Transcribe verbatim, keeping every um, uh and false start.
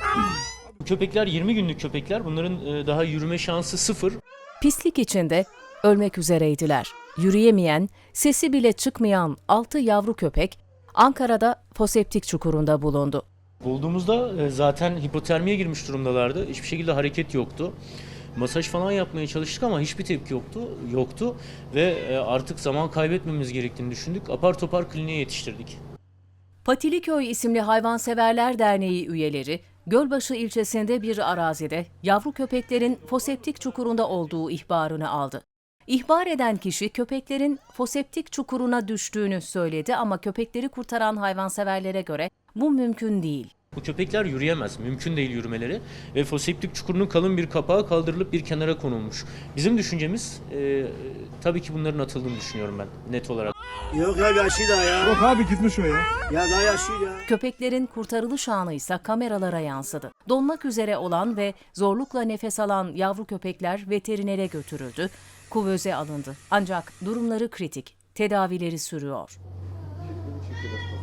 Köpekler yirmi günlük köpekler. Bunların e, daha yürüme şansı sıfır. Pislik içinde ölmek üzereydiler. Yürüyemeyen, sesi bile çıkmayan altı yavru köpek Ankara'da foseptik çukurunda bulundu. Bulduğumuzda e, zaten hipotermiye girmiş durumdalardı. Hiçbir şekilde hareket yoktu. Masaj falan yapmaya çalıştık ama hiçbir tepki yoktu. Yoktu ve e, artık zaman kaybetmemiz gerektiğini düşündük. Apar topar kliniğe yetiştirdik. Patiliköy isimli Hayvanseverler Derneği üyeleri, Gölbaşı ilçesinde bir arazide yavru köpeklerin foseptik çukurunda olduğu ihbarını aldı. İhbar eden kişi köpeklerin foseptik çukuruna düştüğünü söyledi ama köpekleri kurtaran hayvanseverlere göre bu mümkün değil. Bu köpekler yürüyemez. Mümkün değil yürümeleri. Ve foseptik çukurunun kalın bir kapağı kaldırılıp bir kenara konulmuş. Bizim düşüncemiz e, tabii ki bunların atıldığını düşünüyorum ben net olarak. Yok ya yaşlı da ya. Yok abi gitmiş o ya. Ya daha yaşlı ya. Köpeklerin kurtarılış anı ise kameralara yansıdı. Donmak üzere olan ve zorlukla nefes alan yavru köpekler veterinere götürüldü, kuvöze alındı. Ancak durumları kritik, tedavileri sürüyor.